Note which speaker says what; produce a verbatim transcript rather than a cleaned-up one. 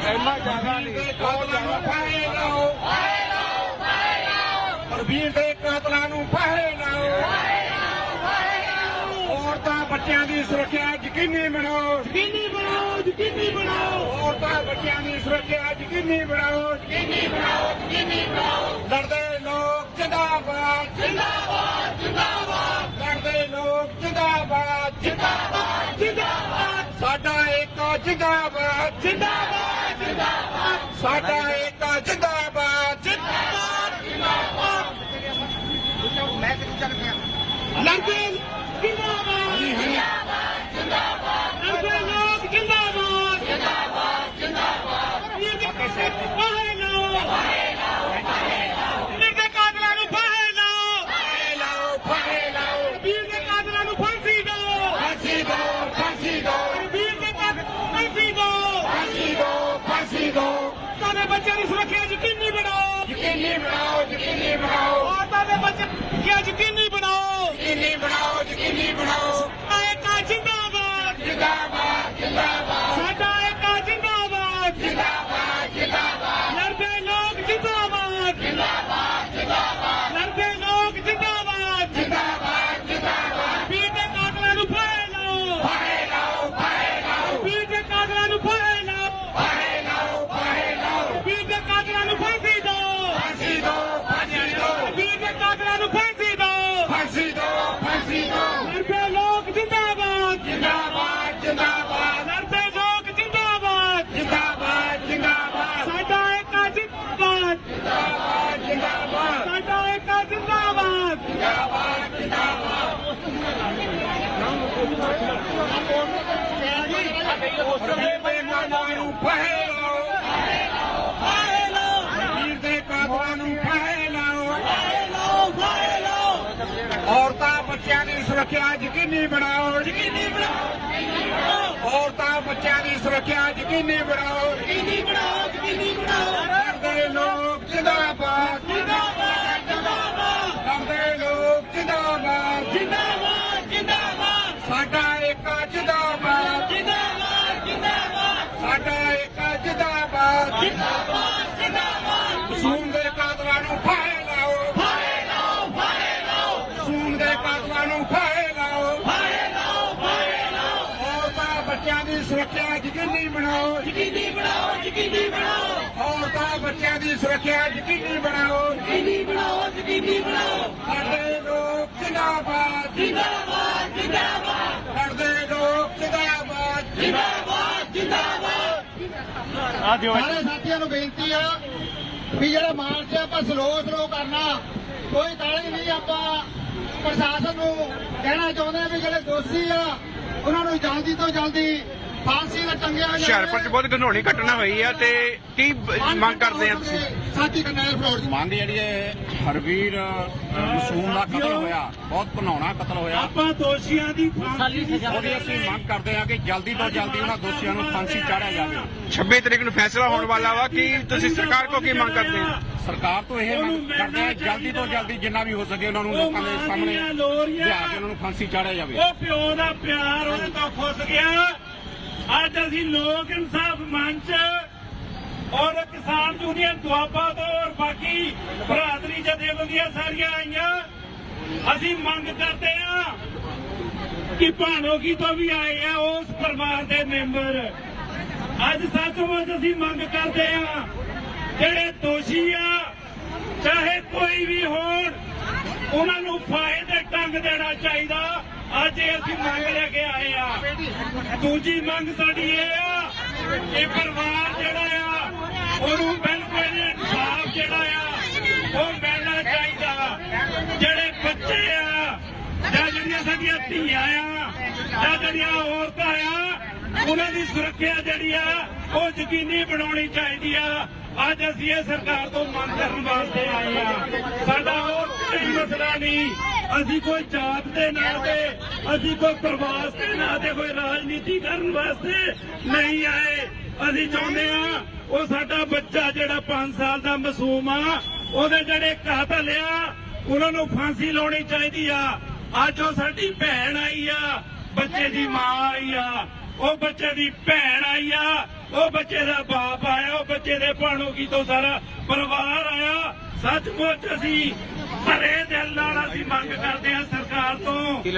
Speaker 1: ਇੰਨਾ ਜ਼ਿਆਦਾ ਨਹੀਂ ਕਾਤਲਾਂ ਨੂੰ ਫਾਹੇ ਲਾਓ ਪ੍ਰਵੀਨ ਦੇ ਕਾਤਲਾਂ ਨੂੰ ਫਾਹੇ ਲਾਓ ਔਰਤਾਂ ਬੱਚਿਆਂ ਦੀ ਸੁਰੱਖਿਆ ਯਕੀਨੀ ਬਣਾਓ
Speaker 2: ਯਕੀਨੀ ਬਣਾਓ ਯਕੀਨੀ ਬਣਾਓ
Speaker 1: ਔਰਤਾਂ ਬੱਚਿਆਂ ਦੀ ਸੁਰੱਖਿਆ ਯਕੀਨੀ ਬਣਾਓ
Speaker 2: ਯਕੀਨੀ ਬਣਾਓ ਯਕੀਨੀ ਬਣਾਓ
Speaker 1: ਲੜਦੇ ਲੋਕ ਜਿੰਦਾਬਾਦ
Speaker 2: ਜਿੰਦਾਬਾਦ ਜਿੰਦਾਬਾਦ
Speaker 1: ਲੜਦੇ ਲੋਕ ਜਿੰਦਾਬਾਦ
Speaker 2: ਜਿੰਦਾਬਾਦ ਜਿੰਦਾਬਾਦ
Speaker 1: ਸਾਡਾ ਏਕਾ ਜਿੰਦਾਬਾਦ
Speaker 2: ਜਿੰਦਾਬਾਦ ਜਿੰਦਾਬਾਦ
Speaker 1: ਸਾਡਾ ਏਕਾ ਜਿੰਦਾਬਾਦ
Speaker 2: ਜਿੰਦਾਬਾਦ ਜਿੰਦਾਬਾਦ
Speaker 1: ਮੈਂ ਕਿੱਥੇ ਚੱਲ ਗਿਆ
Speaker 2: ਲੜਦੇ ਜਿੰਦਾਬਾਦ ਜਿੰਦਾਬਾਦ ਜਿੰਦਾਬਾਦ ਲੜਦੇ ਲੋਕ ਜਿੰਦਾਬਾਦ ਜਿੰਦਾਬਾਦ ਜਿੰਦਾਬਾਦ ਫਾਹੇ ਲਾਓ ਫਾਹੇ ਲਾਓ ਵੀਰ ਦੇ ਕਾਤਲਾਂ ਨੂੰ ਫਾਹੇ ਲਾਓ
Speaker 1: ਫਾਹੇ ਲਾਓ ਫਾਹੇ ਲਾਓ
Speaker 2: ਵੀਰ ਦੇ ਕਾਤਲਾਂ ਨੂੰ ਫਾਂਸੀ ਦਿਓ
Speaker 1: ਫਾਂਸੀ ਦਿਓ ਫਾਂਸੀ ਦਿਓ
Speaker 2: ਵੀਰ ਦੇ ਕਾਤਲਾਂ ਨੂੰ ਫਾਂਸੀ ਦਿਓ
Speaker 1: ਫਾਂਸੀ ਦਿਓ ਫਾਂਸੀ ਦਿਓ
Speaker 2: ਤੁਹਾਡੇ ਬੱਚਿਆਂ ਦੀ ਸੁਰੱਖਿਆ ਯਕੀਨੀ ਬਣਾਓ
Speaker 1: ਯਕੀਨੀ ਬਣਾਓ ਯਕੀਨੀ ਬਣਾਓ
Speaker 2: ਔਰਤਾਂ ਦੇ ਬੱਚੇ ਸੁਰੱਖਿਆ ਯਕੀਨੀ ਬਣਾਓ
Speaker 1: ਯਕੀਨੀ ਬਣਾਓ ਯਕੀਨੀ ਬਣਾਓ
Speaker 2: ਏਕਾ ਜਿੰਦਾਬਾਦ
Speaker 1: ਜਿੰਦਾਬਾਦ ਜਿੰਦਾਬਾਦ
Speaker 2: ਸਾਡਾ ਏਕਾ ਜਿੰਦਾਬਾਦ
Speaker 1: ਜਿੰਦਾਬਾਦ ਜਿੰਦਾਬਾਦ
Speaker 2: ਲੜਦੇ ਲੋਕ ਜਿੰਦਾਬਾਦ ਜਿੰਦਾਬਾਦ ਜਿੰਦਾਬਾਦ ਲੜਦੇ ਲੋਕ ਜਿੰਦਾਬਾਦ
Speaker 1: ਜਿੰਦਾਬਾਦ ਜਿੰਦਾਬਾਦ
Speaker 2: ਵੀਰ ਦੇ ਕਾਤਲਾਂ ਨੂੰ ਫਾਹੇ ਲਾਓ
Speaker 1: ਫਾਹੇ ਲਾਓ ਫਾਹੇ ਲਾਓ
Speaker 2: ਵੀਰ ਦੇ ਕਾਤਲਾਂ ਨੂੰ ਫਾਹੇ ਲਾਓ
Speaker 1: ਫਾਹੇ ਲਾਓ ਫਾਹੇ ਲਾਓ
Speaker 2: ਵੀਰ ਦੇ ਕਾਤਲਾਂ ਨੂੰ ਫਾਂਸੀ ਦਿਓ
Speaker 1: ਫਾਂਸੀ ਦਿਓ ਫਾਂਸੀ ਦਿਓ
Speaker 2: ਵੀਰ ਦੇ ਕਾਤਲਾਂ ਨੂੰ ਫਾਂਸੀ ਦਿਓ
Speaker 1: ਫਾਂਸੀ ਦਿਓ ਫਾਂਸੀ ਦਿਓ
Speaker 2: ਲੜਦੇ ਲੋਕ ਜਿੰਦਾਬਾਦ
Speaker 1: ਜਿੰਦਾਬਾਦ ਜਿੰਦਾਬਾਦ
Speaker 2: ਲੜਦੇ ਲੋਕ ਜਿੰਦਾਬਾਦ
Speaker 1: ਜਿੰਦਾਬਾਦ ਜਿੰਦਾਬਾਦ
Speaker 2: ਸਾਡਾ ਏਕਾ ਜਿੰਦਾਬਾਦ
Speaker 1: ਜਿੰਦਾਬਾਦ ਜਿੰਦਾਬਾਦ
Speaker 2: ਸਾਡਾ ਏਕਾ ਜਿੰਦਾਬਾਦ
Speaker 1: ਜਿੰਦਾਬਾਦ ਜਿੰਦਾਬਾਦ ਵੀਰ ਦੇ ਕਾਤਲਾਂ ਨੂੰ ਫਾਹੇ ਲਾਓ
Speaker 2: ਫਾਹੇ ਲਾਓ
Speaker 1: ਵੀਰ ਦੇ ਕਾਤਲਾਂ ਨੂੰ ਫਾਹੇ ਲਾਓ
Speaker 2: ਫਾਹੇ ਲਾਓ ਫਾਹੇ ਲਾਓ
Speaker 1: ਔਰਤਾਂ ਬੱਚਿਆਂ ਦੀ ਸੁਰੱਖਿਆ ਯਕੀਨੀ ਬਣਾਓ
Speaker 2: ਯਕੀਨੀ ਬਣਾਓ
Speaker 1: ਔਰਤਾਂ ਬੱਚਿਆਂ ਦੀ ਸੁਰੱਖਿਆ ਯਕੀਨੀ ਬਣਾਓ
Speaker 2: ਯਕੀਨੀ ਬਣਾਓ ਯਕੀਨੀ ਬਣਾਓ
Speaker 1: ਲੜਦੇ ਲੋਕ ਜਿੰਦਾਬਾਦ
Speaker 2: ਜਿੰਦਾਬਾਦ ਜਿੰਦਾਬਾਦ
Speaker 1: ਲੜਦੇ ਲੋਕ ਜਿੰਦਾਬਾਦ
Speaker 2: ਜਿੰਦਾਬਾਦ ਜਿੰਦਾਬਾਦ
Speaker 1: ਸਾਡਾ ਏਕਾ ਜਿੰਦਾਬਾਦ
Speaker 2: ਜਿੰਦਾਬਾਦ ਜਿੰਦਾਬਾਦ
Speaker 1: ਸਾਡਾ ਏਕਾ ਜਿੰਦਾਬਾਦ
Speaker 2: ਜਿੰਦਾਬਾਦ ਜਿੰਦਾਬਾਦ
Speaker 1: ਸੂਮ ਦੇ ਕਾਤਲਾਂ ਨੂੰ ਫਾਹੇ ਲਾਓ
Speaker 2: ਫਾਹੇ ਲਾਓ ਫਾਹੇ ਲਾਓ
Speaker 1: ਸੂਮ ਦੇ ਕਾਤਲਾਂ ਨੂੰ ਫਾਹੇ ਲਾਓ
Speaker 2: ਫਾਹੇ ਲਾਓ ਫਾਹੇ ਲਾਓ
Speaker 1: ਔਰਤਾਂ ਬੱਚਿਆਂ ਦੀ ਸੁਰੱਖਿਆ ਯਕੀਨੀ ਬਣਾਓ
Speaker 2: ਯਕੀਨੀ ਬਣਾਓ ਯਕੀਨੀ ਬਣਾਓ
Speaker 1: ਔਰਤਾਂ ਬੱਚਿਆਂ ਦੀ ਸੁਰੱਖਿਆ ਯਕੀਨੀ ਬਣਾਓ
Speaker 2: ਯਕੀਨੀ ਬਣਾਓ ਯਕੀਨੀ ਬਣਾਓ
Speaker 1: ਲੜਦੇ ਲੋਕ ਜਿੰਦਾਬਾਦ
Speaker 2: ਜਿੰਦਾਬਾਦ ਜਿੰਦਾਬਾਦ
Speaker 1: ਲੜਦੇ ਲੋਕ ਜਿੰਦਾਬਾਦ
Speaker 2: ਜਿੰਦਾਬਾਦ ਜਿੰਦਾਬਾਦ
Speaker 3: ਸਾਰੇ ਸਾਥੀਆਂ ਨੂੰ ਬੇਨਤੀ ਆ ਵੀ ਜਿਹੜਾ ਮਾਰਚ ਆ ਆਪਾਂ ਸਲੋ ਸਲੋ ਕਰਨਾ ਕੋਈ ਕਾਹਲੀ ਨਹੀਂ। ਆਪਾਂ ਪ੍ਰਸ਼ਾਸਨ ਨੂੰ ਕਹਿਣਾ ਚਾਹੁੰਦੇ ਆ ਵੀ ਜਿਹੜੇ ਦੋਸ਼ੀ ਆ ਉਹਨਾਂ ਨੂੰ ਜਲਦੀ ਤੋਂ ਜਲਦੀ ਫਾਂਸੀ ਦਾ ਟੰਗਿਆ ਜਾਵੇ।
Speaker 4: ਹੁਸ਼ਿਆਰਪੁਰ ਚ ਬਹੁਤ ਘਨੋਣੀ ਘਟਨਾ ਹੋਈ ਆ ਤੇ ਕੀ ਮੰਗ ਕਰਦੇ ਆ ਤੁਸੀਂ?
Speaker 3: ਸਾਥੀ ਕਰਨੈਲ ਫਲੋਰ ਜੀ
Speaker 5: ਮੰਗ ਜਿਹੜੀ ਹੈ ਹਰਵੀਰ ਮਾਸੂਮ ਦਾ ਕਤਲ ਹੋਇਆ, ਬਹੁਤ ਘਿਨਾਉਣਾ ਕਤਲ ਹੋਇਆ।
Speaker 2: ਆਪਾਂ ਦੋਸ਼ੀਆਂ ਦੀ ਫਾਂਸੀ ਦੀ
Speaker 5: ਉਹਦੀ ਅਸੀਂ ਮੰਗ ਕਰਦੇ ਹਾਂ ਕਿ ਜਲਦੀ ਤੋਂ ਜਲਦੀ ਉਹਨਾਂ ਦੋਸ਼ੀਆਂ ਨੂੰ ਫਾਂਸੀ ਚਾੜਿਆ ਜਾਵੇ।
Speaker 4: ਛੱਬੀ ਤਰੀਕ ਨੂੰ ਫੈਸਲਾ ਹੋਣ ਵਾਲਾ ਵਾ। ਕੀ ਤੁਸੀਂ ਸਰਕਾਰ ਕੋ ਕੀ ਮੰਗ ਕਰਦੇ ਹੋ?
Speaker 5: ਸਰਕਾਰ ਤੋਂ ਇਹ ਮੰਗ ਕਰਦੇ ਹਾਂ ਜਲਦੀ ਤੋਂ ਜਲਦੀ ਜਿੰਨਾ ਵੀ ਹੋ ਸਕੇ ਉਹਨਾਂ ਨੂੰ ਲੋਕਾਂ ਦੇ ਸਾਹਮਣੇ ਲਿਆ ਕੇ ਉਹਨਾਂ ਨੂੰ ਫਾਂਸੀ ਚਾੜਿਆ ਜਾਵੇ।
Speaker 2: ਉਹ ਪਿਓ ਦਾ ਪਿਆਰ ਉਹਦੇ ਤੋਂ ਖੁੱਸ ਗਿਆ। ਅੱਜ ਅਸੀਂ ਲੋਕ ਇਨਸਾਫ ਮੰਚ ਔਰ ਕਿਸਾਨ ਯੂਨੀਅਨ ਦੁਆਬਾ ਤੋਂ ਔਰ ਬਾਕੀ ਬਰਾਦਰੀ ਜਥੇਬੰਦੀਆਂ ਸਾਰੀਆਂ ਆਈਆਂ। ਅਸੀਂ ਮੰਗ ਕਰਦੇ ਹਾਂ ਕਿ ਭਾਣੋਗੀ ਤੋਂ ਵੀ ਆਏ ਆ ਉਸ ਪਰਿਵਾਰ ਦੇ ਮੈਂਬਰ। ਅੱਜ ਸੱਚਮੁੱਚ ਅਸੀਂ ਮੰਗ ਕਰਦੇ ਹਾਂ ਜਿਹੜੇ ਦੋਸ਼ੀ ਆ ਚਾਹੇ ਕੋਈ ਵੀ ਹੋਣ ਉਹਨਾਂ ਨੂੰ ਫਾਹੇ ਦੇ ਟੰਗ ਦੇਣਾ ਚਾਹੀਦਾ। ਅੱਜ ਇਹ ਅਸੀਂ ਮੰਗ ਲੈ ਕੇ ਆਏ ਆ। ਦੂਜੀ ਮੰਗ ਸਾਡੀ ਇਹ ਆ ਕਿ ਪਰਿਵਾਰ ਜਿਹੜਾ ਆ ਉਹਨੂੰ ਬਿਲਕੁਲ ਇਨਸਾਫ ਜਿਹੜਾ ਆ ਉਹ ਮਿਲਣਾ ਚਾਹੀਦਾ। ਜਿਹੜੇ ਬੱਚੇ ਆ ਜਾਂ ਜਿਹੜੀਆਂ ਸਾਡੀਆਂ ਧੀਆਂ ਆ ਜਾਂ ਜਿਹੜੀਆਂ ਔਰਤਾਂ ਆ ਉਹਨਾਂ ਦੀ ਸੁਰੱਖਿਆ ਜਿਹੜੀ ਆ ਉਹ ਯਕੀਨੀ ਬਣਾਉਣੀ ਚਾਹੀਦੀ ਆ। ਅੱਜ ਅਸੀਂ ਇਹ ਸਰਕਾਰ ਤੋਂ ਮੰਗ ਕਰਨ ਵਾਸਤੇ ਆਏ ਆ। ਸਾਡਾ ਹੋਰ ਕੋਈ ਮਸਲਾ ਨਹੀਂ। ਅਸੀਂ ਕੋਈ ਜਾਤ ਦੇ ਨਾਂ ਤੇ, ਅਸੀਂ ਕੋਈ ਪ੍ਰਵਾਸ ਦੇ ਨਾਂ ਤੇ, ਕੋਈ ਰਾਜਨੀਤੀ ਕਰਨ ਵਾਸਤੇ ਨਹੀਂ ਆਏ। ਅਸੀਂ ਚਾਹੁੰਦੇ ਆ ਉਹ ਸਾਡਾ ਬੱਚਾ ਜਿਹੜਾ ਪੰਜ ਸਾਲ ਦਾ ਮਾਸੂਮ ਆ ਉਹਦੇ ਜਿਹੜੇ ਕਾਤਲ ਆ ਉਹਨਾਂ ਨੂੰ ਫਾਂਸੀ ਲਾਉਣੀ ਚਾਹੀਦੀ ਆ। ਅੱਜ ਉਹ ਸਾਡੀ ਭੈਣ ਆਈ ਆ, ਬੱਚੇ ਦੀ ਮਾਂ ਆਈ ਆ। ਉਹ ਬੱਚੇ ਦੀ ਭੈਣ ਆਈ ਆ, ਉਹ ਬੱਚੇ ਦਾ ਬਾਪ ਆਇਆ, ਉਹ ਬੱਚੇ ਦੇ ਭਾਣੋ ਕੀ ਤੋਂ ਸਾਰਾ ਪਰਿਵਾਰ ਆਇਆ। ਸੱਚਮੁੱਚ ਅਸੀਂ ਭਰੇ ਦਿਲ ਨਾਲ ਅਸੀਂ ਮੰਗ ਕਰਦੇ ਹਾਂ ਸਰਕਾਰ ਤੋਂ